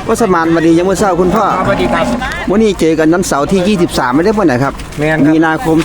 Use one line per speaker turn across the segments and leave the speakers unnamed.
ว่าสมานวันนี้ยังเมื่อเช้าคุณพ่อ
สวัสดีครับ
วันนี้เจอกันน้ำเสาร์ที่ 23 ไม่ได้เมื่อไหร่ครับ
แม่นครับ
มีนาคม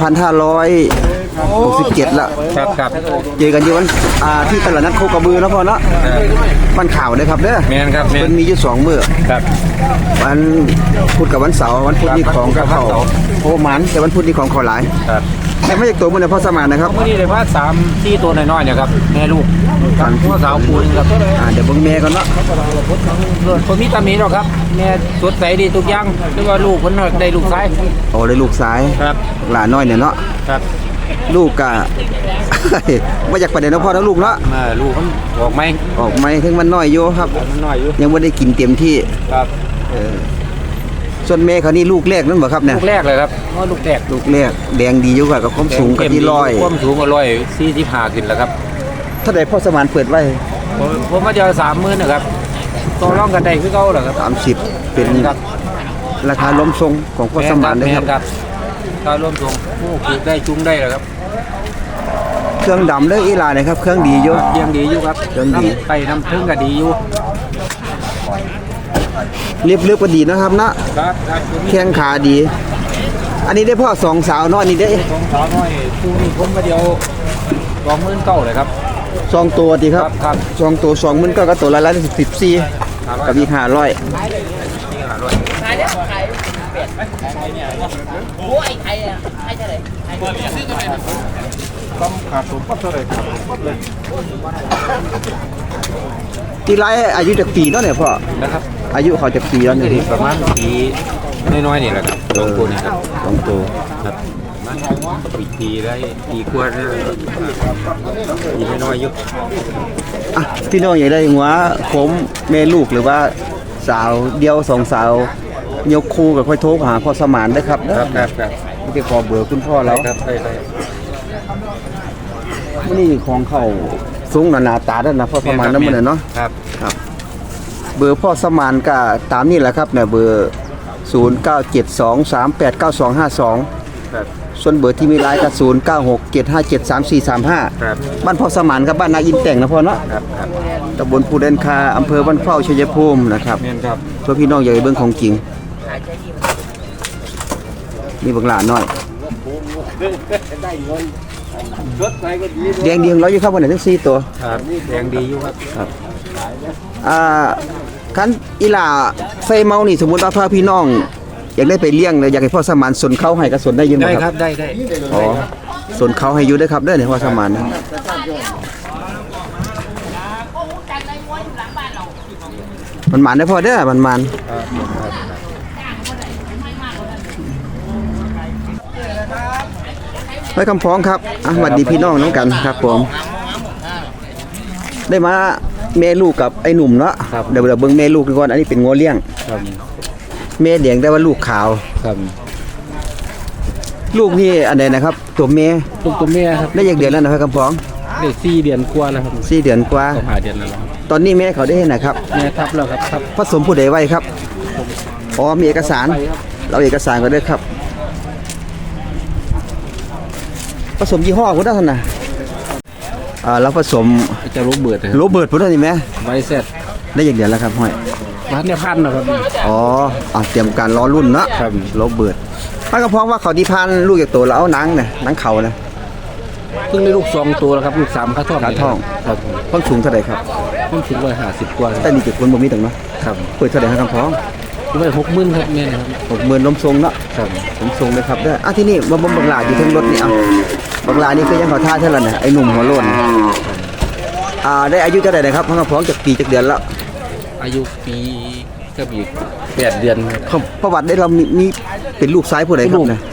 2567ละ
ครับครับ
เจอกันที่วันที่ตลาดนัดโคกระบือแล้วพ่อเนาะมันข่าวเลยครับเด้อ
แม่นครับแม่
มัน นมีอยู่2มื้อ
ครับ
วันพุธกับวันเสาร์วันพุธนี่ของกับเขาโอ้หมันแต่วันพุธนี่ของเขาหลาย
ครับ
แต่ไม่จากตัวมันเนี่ยพ่อสมานนะครับ
เมื่อนี้เลยว่า3-4ตัวน้อยๆเนี่ยครับแม่ลูกกันพ่อสาวคูณครับ
เดี๋ยวเบิ่งแม่ก่อนเนาะ
คนมีตามีหรอกครับแม่สดใสดีทุกอย่างหรือว่าลูกคนได้ลูกชาย
โอ้เลยลูกซ้าย
ครับ
หลานน้อยเนี่ยเนาะ
ครับ
ลูกกะ ว่าอยากประเด็นนะพ่อทั้งลูกเนาะ
ลูกมันออกไหม
ออกไม่ถึงมันน้อยอยู่ครับ
มันน้อยอยู่
ยังไม่ได้กินเต็มที่
ครับ
ส่วนแม่เขานี่ลูกแรกนั่นบ่ครับเนี่ย
ลูกแรกเลยครับว่าลูกแรก
ลูกแรกแดงดีอยู่กับความสูงกับที่ร้อย
ความสูงก็145ขึ้นแล้วครับ
ถ้าได้พ่อสมานเปิดไว้
ผมมาเจอ30,000นะครับต่อรองกันได้คือเก่าเหรอครับ
30เป็น
ครับ
ราคาล้มทรงของพ่อสมานนะ
แม่
ครับ
ครับถ้ารวมส่งผู้ปลูกได้จุงได้เหรอครับ
เครื่องดำเด้ออีหลานะครับเครื่องดีอยู่
ยังดีอยู่ครับ
ยังดี
น้ำไปน้ำถึงก็ดีอยู่
เรียบก็ดีนะครับนะครับ แข้งขาดี อันนี้ได้พ่อสองสาวเนาะอันนี้ได้
ของสาวน้อยคู่นี้ผมมาเดียว29,000เลยครับ
สองตัวดีครับ
ครับ
สองตัว20,000ก็ตัวละ14กับอีก500
ต้องขาดผมปั๊บเลยครับปั๊บเลย
ที่ไรอายุจากปีเนาะเนี่ยพ่อ
นะครับ
อายุเขาจากปีแล้วเนี่ย
ประมาณปีน้อยๆนี่แหละครับสองตัวนี่ครับ
สองตัว
ครับประมาณปีได้ปีกว่าเนี่ยปีน้อยๆอยู่
อ่ะพี่น้องอยากได้หัวผมแม่ลูกหรือว่าสาวเดียวสองสาวยกคู่กับค่อยโทรหาพ่อสมานได้ครับนะครับ
ครับ
ไม่ได้ขอเบอร์คุณพ่อแล้ว
ครับได้
นี่ของเขาสูงหนาตาด้านนะพ่อสมานนั่นมันเนาะ
ครับ
ครับ เบอร์พ่อสมานก็ตามนี่แหละครับเนี่ยเบอร์0972389252
ครับ
ส่วนเบอร์ที่มีไลน์ก็0967573435
ครับ
บ้านพ่อสมานครับบ้านนาอินแต่งนะพ่อเนาะ
ครับครับ
ตำบลภูเดนคาอำเภอบ้านเข้าชัยภูมินะครับ
เมียนครับ
เพื่อพี่น้องอยากให้เบิ่งของจริงนี่บักหลาน้อยแดงดีของเราอยู่ครับวันไหนทั้ง4ตัว
ครับแดงดีอยู่ครับ
คันอีหล่าไฟเมานี่สมมุติว่าพาพี่น้อง อยากได้ไปเลี้ยงเลยอยากให้พ่อสมานสนเข้าให้ก็สนได้อยิน
ได้
บ่
ค
ค
รั
รั
บบ ได้
อ๋อสนเข้าให้อยู่ได้อครับเด้อเนี่ยพ่อสมานนะมันหมานได้อพ่อเด้อมันหมานไว้คำพ้องครับสวัสดีพี่น้องน้องกันครับผมได้มาแม่ลูกกับไอ้หนุ่มเนาะเดี๋ยวเบิ่งแม่ลูกก่อนอันนี้เป็นงัวเลี้ยง
ครับ
แม่แดงได้ว่าลูกขาว
ครับ
ลูกนี่อันใดนะครับตัวแม่
ลูกตัวแม่ครับ
ได้อย่างเดือนแล้วนะครับคำพ้อง
ได้4 เดือนกว่าแล้วครับ
4 เดือนกว่า
ก็ผ่าเดือนแล้วครับ
ตอนนี้แม่เขาได้เห็นนะครับ
แม่ทับแล้วครับทับ
ผสมผู้ใดไว้ครับอ๋อมีเอกสาร
ไปครับ
เราเอกสารก็ได้ครับผสมยี่ห้อพุทธศาสนาเราผสม
จะรู้เบิด
โรเบิร์ตพุทธนี่ไหม
ไว้เสร็จ
ได้อย่างเดือนแล้วครับห้อย
ร้านเนี่ยพันนะครับ
อ๋อเตรียมการรอรุ่นเนาะ
ครับ
โรเบิร์ตถ้าก็เพราะว่าเขาที่พันลูกจากตัวแล้วเอาหนังเนี่ยหนังเขานะ
เพิ่งได้ลูก2ตัวแล้วครับลูก3ขาท่อง
ขาท่อง
ครับ
ต้องสูงเท่าไหร่ครับ
เพิ่งถึง150กว่า
แต่นี่เจ็ดคนบ่มีตรงเนาะ
ครับ
เปิดเท่าไหร่ครับคำพ้อง
ได้60,000ครับแม่นะครับ
60,000ล้มทรงเนาะ
ครับ
ผมทรงเลยครับได้อที่นี่บ่บังลาอยู่ทั้งรถนี่บังลานี่คือยังขอท่าเท่านั้นน่ะไอ้หนุ่มหัวโล้นได้อายุเท่าไหร่นะครับพังกระพองจากปีจากเดือนแล้ว
อายุปีก็อีก8 เดือนครับ
เขาประวัติได้เรามีเป็นลูกซ้ายผู้ใดครับเนี่ย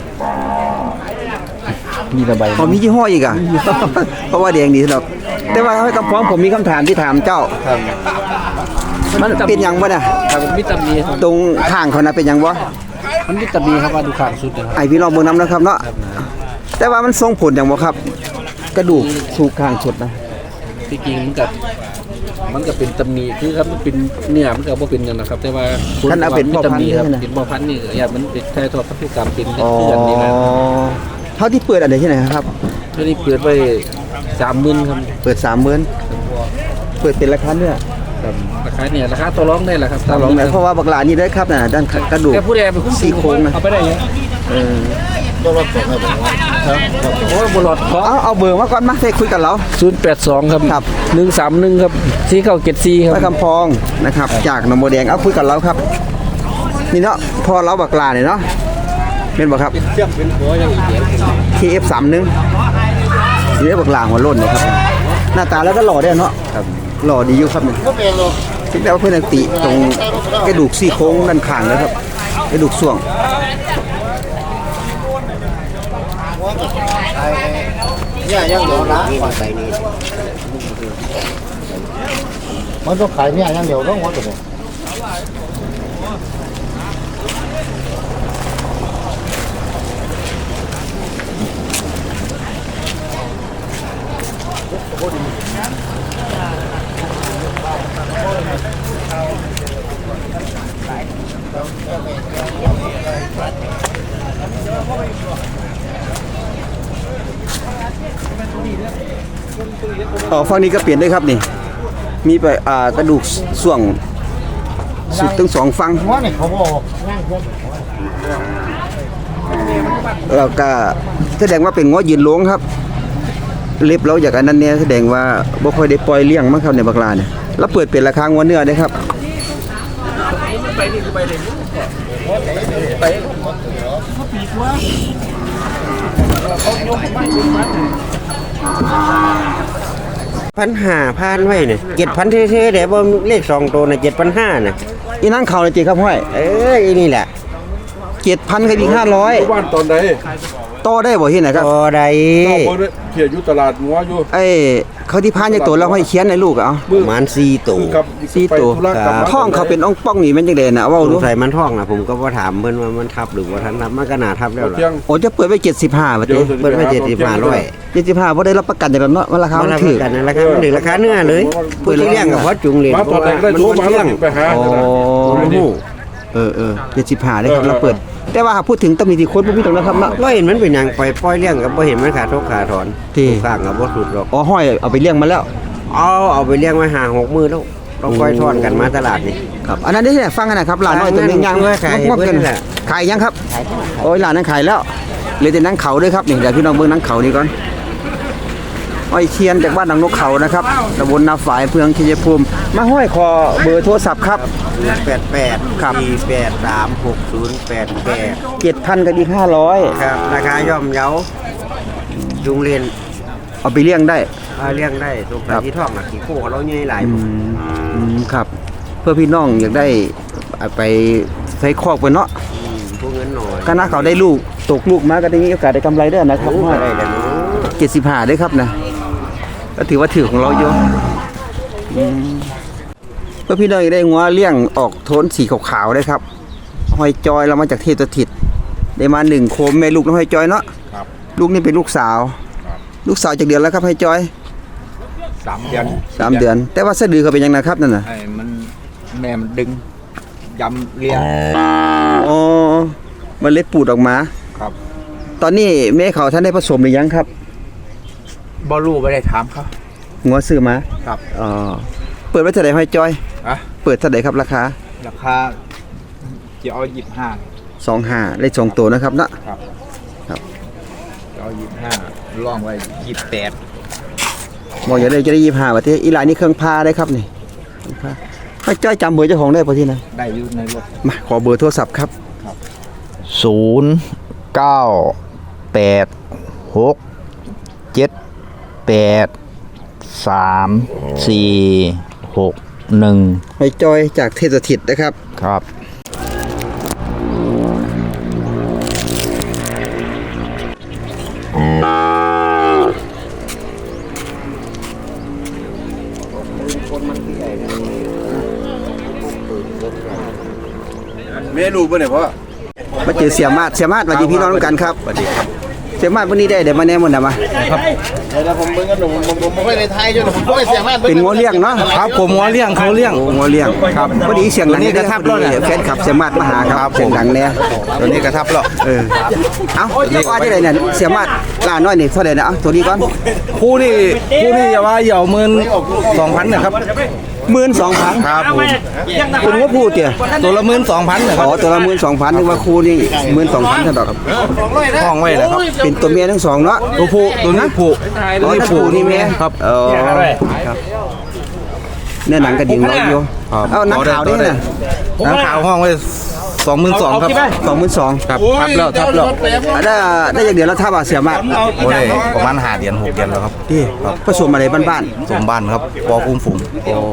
มีระบาย
เขามียี่ห้ออีกอ่ะ เพราะว่าแดงดีสำหรับแต่ว่าให้กระพองผมมีคำถามที่ถามเจ้า
ครับ
มันเป็นหยังบ่น่ะ
ครับวิตามินครับ
ตรงข้างเขานะเป็นหยังบ่
มันวิตามินครับว่าดูข้างสุดนะครับ
ไอพี่น้องเบิ่งนำนะครับเนาะแต่ว่ามันทรงผลหยังบ่ครับ กระดูกสูกข้างสุดนะ
ที่จริงมันก็เป็นตำหนิคือครับมันเป็นเนื้อมันก็บ่เป็นกันนะครับ แต่ว่า
ท่านเอาเป็นพ่อพันธุ์
วิตามิครับ
ใช่ไหม
เป็นบ่อพันธุ์นี่ก็อย่ามันเป็นแท้ทอดพันธุกรรมเป็น
อ๋อ
เพื่อนนี่นะ
เท่าที่เปิดอันไหนที่ไหนครับ
แล้วนี่เปิดไว้30,000ครับ
เปิด30,000เปิดเป็นราคาเนื้อ
ครับราคาเนี่ยราคาตัวร้องได้แหละครับ
ตาลองไหนเพราะว่าบักหลานี่ได้ครับน่ะด้านกระดูก
แกผู้ใดเป็นผู้
ซี่โครงนะ
เอาไปได้ยัง
ก็รถตกให้ผมว่าครับ
โอ้ยบุหลอดขอ
เอาเบอร์มาก่อนมาเฟคุยกับเรา
082ครับ
ครับ
131ครับ4974ค
ไป
รับ
คำพองนะครับจากหนองบัวแดงเอาคุยกับเราครับนี่เนาะพอเราบักหลาเนี่ยเนาะเป็นบ่ครับ
เชื่อมเป็นหัวยังอีกเดียว
KF31 นี่ได้บักหลาหัวโล้นนะครับหน้าตาแล้วก็หล่อได้เนาะครับหล่อดีอยู่ครับเนี่ย
ก็เป็นรถ
คิดแล้วาเพื่อนติตรงกระดูกซี่โครงด้านข้างนะครับกระดูกส่วง
เนี่ยยังเดียวนะมันต้องขายเนี่ยยังเดียวต้องวัดเลย
ฝั่งนี้ก็เปลี่ยนด้วยครับนี่มีไปกระดูกส่วงสุดทั้งสองฝั่ง
ว่าเนี่ยเขาบอกนั่งรถ
แล้วก็แสดงว่าเป็นง้อยืนหลวงครับเล็บเราจากอันนั้นเนี่ยแสดงว่าบ่ค่อยได้ปล่อยเลี้ยงมั้งครับในบักลาเนี่ยแล้วเปิดเป็นราคางัวเนื้อได้ครับ
ไปนี่คือไปเลยไป
1,500ไว้เนี่ย7,000เท่ๆเดี๋ยวบ่เลข2ตัวน่ะ7,500น่ะ
อีนั่งเขาเลยจีครับห้อย
อีนี่แหละ
7,000กับอีก
บ้านตอนใด
500ต่อได้บ่ที่ไหนครับ
ต่อใด
เจ้าบ่ได้เขียอยู่ตลาดงัวอยู่
ไอ้เขาที่พานจากตัวแล้วห้อยเขียนในลูกเอา
ประมาณ4ตัว
คือกับ
สี่ตัว
ไปธุระกลับมา
ท้องเขาเป็นอ่องป้องนี่แม่นจังได๋น่ะเว้า
ส
ดู
งสัยมันท้องน่ะผมก็บ่ถามเพิ่นว่ามันทับหรือบ่ทันทับมันก็น่าทับแล้วล่ะ
เที่ยง
โอ้จะเปิดไว้75บาท
เดี๋ยว
เพิ่นไว้75,000
75บ่ได้รับประกันจากแล้วเนาะว่าราคา
มั
มัน น
รับ
ถู
ป
ก
ระกันนะราคามันถึงราคาเนื้อเลยผู้ที่เลี้ยงก็พอจุงเลี้ยง
มาตอนแรกได้โทรมาแล้วไปหา
อ๋อ 75ได้ครับเราเปิด แต่ว่าหากพูดถึงตำหนิที่คนบ่มีตรงนะครับเนาะ
บ่เห็นมันเป็นหยังปล่อยเลี้ยงก็บ่เห็นมันขาดทุกขาถอน
ที่
ข้างก็บ่สุดหรอก
อ๋อห้อยเอาไปเลี้ยงมาแล้ว
เอาไปเลี้ยงไว้5-6มื้อแล้วต้องปล่อยทอดกันมาตลาดนี่
ครับอันนั้นได้ที่ไหนฟังกันนะครับหลานน้อยตัวนึงยัง
ขาย
งอกๆกัน
เพิ่นแหละ
ขายยังครับโอ้ยหลานนั้นขายแล้วเหลยแต่นังเขาด้วยครับนี่เดี๋ยวพี่น้องเบิ่งนังเขานี่ก่อนอ้อยเคียนจากบ้านหนองนกเขานะครับตำบลนาฝายอำเภอชัยภูมิมาห้อยคอเบอร์โทรศัพท์ครับ
88
ครับ
4836088
7,000กับอีก500
ครับราคาย่อมเยาจุงเรียน
เอาไปเลี้ยงได้
เลี้ยงได้ตรง
ครับ
ที่ท้องขี้โคเราใหญ่หลายผม
ครับ เพื่อพี่น้องอยากได้เอาไปใช้คอกไปเนาะ
พวกเงินหน่อย
ก็น่าเขาได้ลูกตกลูกมาก็ได้มีโอกาสได้กำไรด้วยนะครับ
รู้อะไรกันเนาะ
75ด้วยครับนะก็ถือว่าถือของเราอยู่เพื่อพี่น้องอยากได้งัวเลี้ยงออกโทนสีขาวๆได้ครับหอยจอยเรามาจากเทพสถิตได้มา1โคมแม่ลูกน้องหอยจอยเนาะ
ครับ
ลูกนี่เป็นลูกสาว ลูกสาวจากเดือนแล้วครับหอยจอย
3 เดือน
3 เดือน แต่ว่าสะดือเขาเป็นยังไงครับนั่นน่ะ
ไอ้มันแม่มันดึงยำเลี้ยง
อ๋อมันเล็ดปูดออกมา
ครับ
ตอนนี้แม่เขาท่านได้ผสมหรือยังครับ
บอลูไม่ได้ถามเขา
งัวซื้อมา
ครับ
อ๋อเปิดไว้เท่าไหร่หอยจอย
อะ
เปิดเท่าไหร่ครับราคา
ราคาจะเอา
25ได้2ตัวนะครับเนาะ
จะเอา25ล่องไว้28
บอกอย่าได้จะได้25บาทที่อีหลายนี่เครื่องพาได้ครับนี่เครื่องพาหอยจอยจำเบอร์เจ้าของได้ป่ะที่นะ
ได้อยู่ในรถ
มาขอเบอร์โทรศัพท์ครับ
0988346
หอยจอยจากเทพสถิตนะครับ
ครับ
เมนูบ่เนี่ยพ่อ
มาเจอเสียมาดสวัสดีพี่น้องทุกกันครับสวัสดีครับเสียมาดวันนี้ได้เดี๋ยวมาแน่หมดนะมา
เดี๋ยวผมเบิ่งกันผมไม่ได้ไทยด้วยผมไม่เสียมาก
เป็นงัวเลี้ยงเนาะ
ครับผมงัวเลี้ยงเขาเลี้ยง
โอ้งัวเลี้ยงครับพอดีเสียงดัง
ตัวนี้กระทับแล้วเนี่ย
แฟนคลับเสียมาดมาหาครับเสียงดังเนี่ย
ตัวนี้กระทับแล้ว
เอ้าว่าที่ไหนเนี่ยเสียมาดล่าน้อยนี่เท่าไหร่นะเอาตัวนี้ก่อน
คู่นี่อย่าว่าเหย่า12,000นะครับ
12,000
ครับผม
คุณว่าพูดเตี่ย
ตัวละ12,000นะค
อ๋
รั
อบ ตัวละ12,000นึกว่าครูนี่12,000เท่าดอกครับ
ห้องไว้แล้วครับ
เป็นตัวเมียทั้งสองเนาะ
ตัวผู้ตัวนี้ผู้
อ๋อถ้าผูนี่แม่
ครับ
ครับเนื้อหนังกระดิ่งเราอยู่
ครับ
เอาหนังขาวด้วยนะ
น้ำขาวห้องไว้22,000ครับ
22,000
ครับทับแล้วทับแล้ว
ได้อย่างเดียวแล้วถ้าว่าเสียมาก
โอ้ยประมาณ5เดือน6เดือนแล้วครับ
ที่ผสมอะไรบ้าน
สมบ้านครับปอคุ้มฝูง
ๆโอ้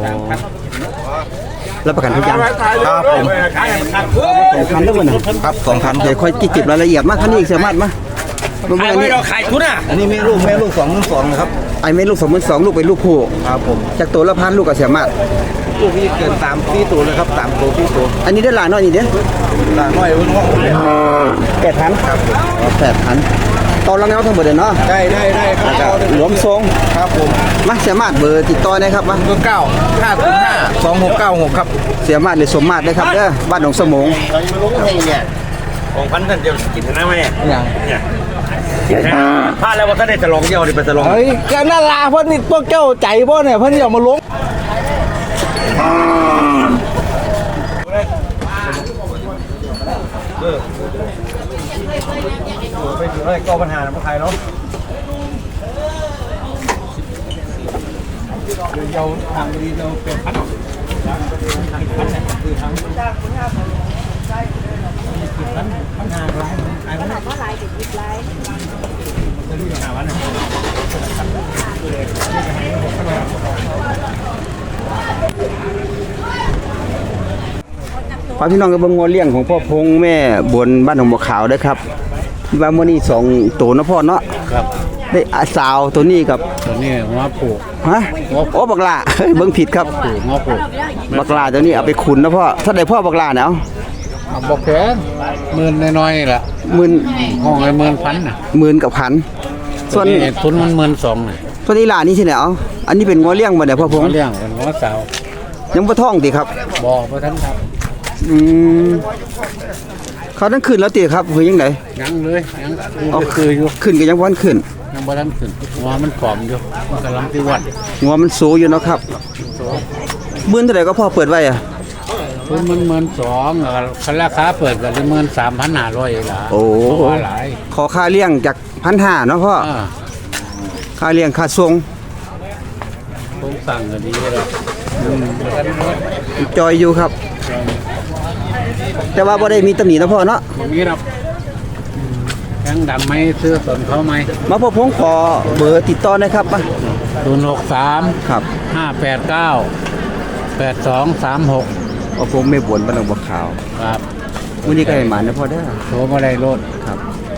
รับประกันทุกอย่าง
ครับผม
2,000แล้วบ่น่ะ
ครับ2,000
เดี๋ยวค่อยเก็บรายละเอียดมากท่านนี้อีกเสียมากมาอันนี้
อันนี้แม่ลูก22,000นะครับ
ไอ้แม่ลูก22,000ลูกเป็นลูกผู้
ครับผม
จากตัวละพันลูกก็เสียมาก
ลูกพี่เกิน3ตัวเลยครับ3ตัว4ตัว
อันนี้ได้หลายน้อยนี่เด้อ
หลานน้อยเพิ่นว่า
8,000ครับ8,000ตอนละแนวทั้งหมดเลยเนาะ
ได้ครับ
หลวมทรง
ครับผม
มาเสียมาดเบอร์ติดต่อได้ครับมา
เบอร์9 505 2696ครับ
เสียมาดหรือสมมาดได้ครับเด้อบ้านหนองสมง
ของพันท่านเดียวกินนะแม่
อย่าง
พลาดแล้วว่าท่านได้จะลองเยี่ยวนี่เป็นจะลอง
เฮ้ยก็น่าลาเพิ่นนี่พวกเจ้าใจบ่เนี่ยเพิ่นอย่ามาลง
ก็ปัญหาในไทยเนาะ
พาพี่น้องกับเบิ่งงัวเลี้ยงของพ่อพงแม่บนบ้านหนองบัวขาวเด้อครับว่ามื้อนี้2ตัวเนาะพ่อเนาะ
ครับ
ได้สาวตัวนี้กับ
ตัวนี้หัวผูก
ฮะโอ้บักหลาเฮ้ยเบิ่งผิดครับ
หัวผูก
บักหลาตัวนี้เอาไปขุนนะพ่อถ้าได้พ่อบักหลาเนี่ยเอา
บอกแพงหมื่นน้อยๆนี่แหละ
หมื่น
ห้องไอ้10,000น่ะ
หมื่นกับพันส่วน
นี้ทุนมัน12,000น่ะ
ตัวนี้หลานี่สิเนี่ยเอาอันนี้เป็นงัวเลี้ยงบ่เนี่ยพ่อพง
เขาเลี้ยงเป็นหัวสาว
ยังบ่ท้องติครับ
บ่บ่ทันครับ
อืมเขาทั้งขึ้นแล้วติครับคือยังไง
ยังเลยยังคืออยู่
ขึ้นก็ยังบ่ทันขึ้น
ยังบ่ทันขึ้นหัวมันผอมอยู่มันกำลังที่วัด
งัวมันสูงอยู่เนาะครับหมื่นเท่าไหร่ก็พอเปิดไว้อะ
ทุนมัน12,000คันราคาเปิดก็13,500ล่ะ
โอ้
ว่าหลาย
ขอค่าเลี้ยงจาก 1,500เนาะพ่อ
อ่า
ค่าเลี้ยงค่าส่ง
ผมสั่งก็ดีแล้วบ่ทันหมด
จอยอยู่ครับ แต่ว่าบ่ได้มีตำหนินะพ่อเนาะ
บ่มีหรอกยังดำไหมซื้อสนเขาไหม
มาพ่อพงขอเบอร์ติดต่อหนะครับมา
063
ครับ
589 8236
พ่อพงไม่บ่นบ้านหนองบัวขาว
ครับ
มื้อนี้ก็ให้หมานะพ่อเด้อ
โทรมาได้รถ
ครับ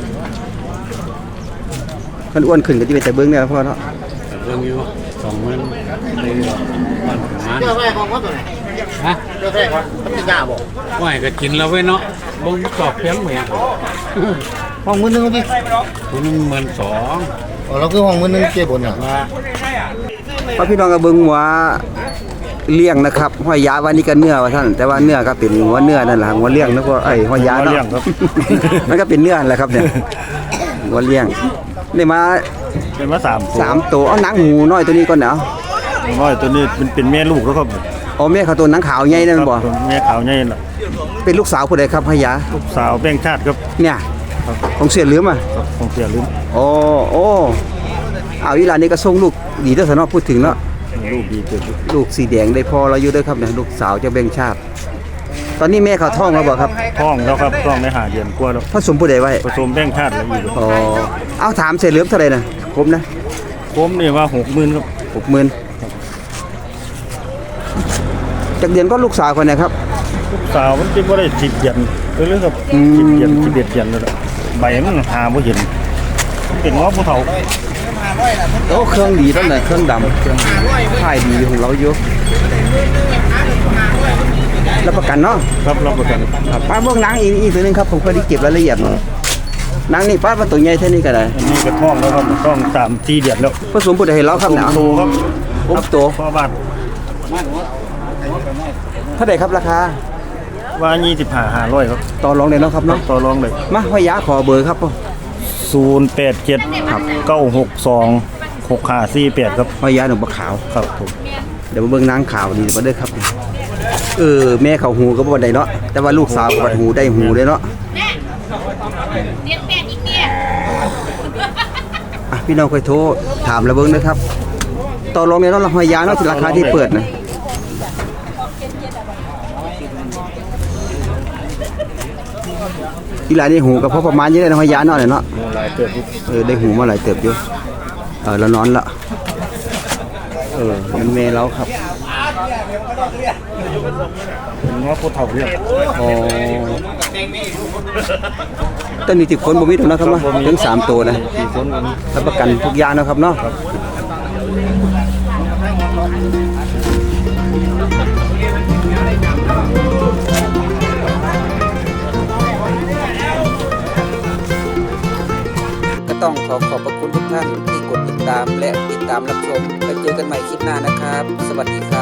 คันอ้วนขึ้นก็สิไปแต่เบิ่งเนี่ยพ่อเนาะ
เรื่องอยู่20,000เลยมันประมาณ
เจ้าแม่ของเขาตัวไหน
ฮะ
เจ้าแม่ของพี่ยาบอก
ว่าให้ก็กินแล้วเว้ยเนาะบ่มีตอบเพียงแหม่
ห้องมือนึงพี่
คุณ12,000
เราคือห้องมือนึงเจ็บบนอ่ะ
ว่า
พ่อพี่น้องก็เบิ่งว่าเลี้ยงนะครับห้อยยาว่านี่ก็เนื้อว่าท่านแต่ว่าเนื้อก็เป็นหัวเนื้อนั่นแหละหัวเลี้ยงนะพ่อไอ้ห้อยยาเนาะ มันก็เป็นเนื้อแหละครับเนี่ยหัวเลี้ยงได้มา
เป็นมา
3ตัวเอาหนังหมูน้อยตัวนี้ก่อนเนาะ
น้อยตัวนี้เป็นแม่ลูกแล้วครับ
อ๋อแม่เขาตัวหนังขาวใหญ่นั่นบ่
ครับแม่ขาวใหญ่น่ะ
เป็นลูกสาวผู้ใดครับห้อยยา
ลูกสาวแบ่งชาติครับ
เนี่ยของเสียเหลือมอ่ะ
ของเสียลืม
โอ้เอาอีหลานนี่ก็ส่งลูกดีเด้อซะเนาะพูดถึงเนาะ
ลูกดีเกิด
ลูกสีแดงได้พอเราอยู่เด้อครับเนี่ยลูกสาวจากแบ่งชาติ ตอนนี้แม่เขาท้องแล้วบ่ครับ
ท้องแล้วครับท้องได้หาเดือนกว่าแล้ว
ผสมผู้ใดไว้
ผสมแบ่งชาติแล้วอยู่
อ๋อเอาถามเสียเหลือมเท่าไหร่น่ะครบนะ
ผมนี่ว่า60,000ครับ
60,000จากเดือนก็ลูกสาวคนไหนครับ
ลูกสาวมันเป็นบ่ได้10เดือนเรื่องครับ
อืม
10เดือน11เดือนแล้วล่ะใบมันหาบ่เห็นมันเป็นง้อผู้เฒ่า
โอ้เครื่องดีตั้งแต่เครื่องดำเครื่องถ่ายดีของเราอยู่รับประกันเนาะ
ครับรับประกัน
ครับป้าเบิ่งหนังอีกตัวหนึงครับผมเคยได้เก็บรายละเอียดหนังนี่ป้าว่าตัวใหญ่เท่านี้ก็ได้
อันนี้ก็ท้องแล้วครับท้อง3-4เดือนแล้ว
ผสมผู้ใดให้เราครับเนี่ย
โตครับ
ผมโต
พ่อบ้าน
เท่าไหร่ครับราคา
ว่า25,500ครับ
ต่อรองได้เนาะครับเนาะ
ต่อรองเลย
มาห้อยยาขอเบอร์ครับพ่อ
087 962 6548ครับ
ห้อยยาหนุ่มปลาขาว
ครับผม
ดี๋ยวมาเบิ่งนางขาวดีกว่าเด้อครับแม่เขาหูก็บ่ได้เนาะแต่ว่าลูกสาวก็บ่หูได้หูเด้เนาะพี่น้องค่อยโทรถามแล้วเบิ่งเด้อครับต่อรองในเนาะหอยยางเนาะที่ราคาที่เปิดนะอีหลานนี่หูก็พอประมาณนี้ได้หอยยางเนาะเลยเนาะหลายเติบได้หูมาหลายเติบอยู่แล้วนอนละมันเมเราครับ
เป็นง้อผู้เฒ่าเรียก
ต้นนี้10 คนบ่มีตรงนะครับเนาะถึง3ตัวนะรับประกันทุกอย่างนะครับเนาะก็ต้องขอบพระคุณทุกท่านที่กดติดตามและติดตามรับชมแล้วเจอกันใหม่คลิปหน้านะครับสวัสดีครับ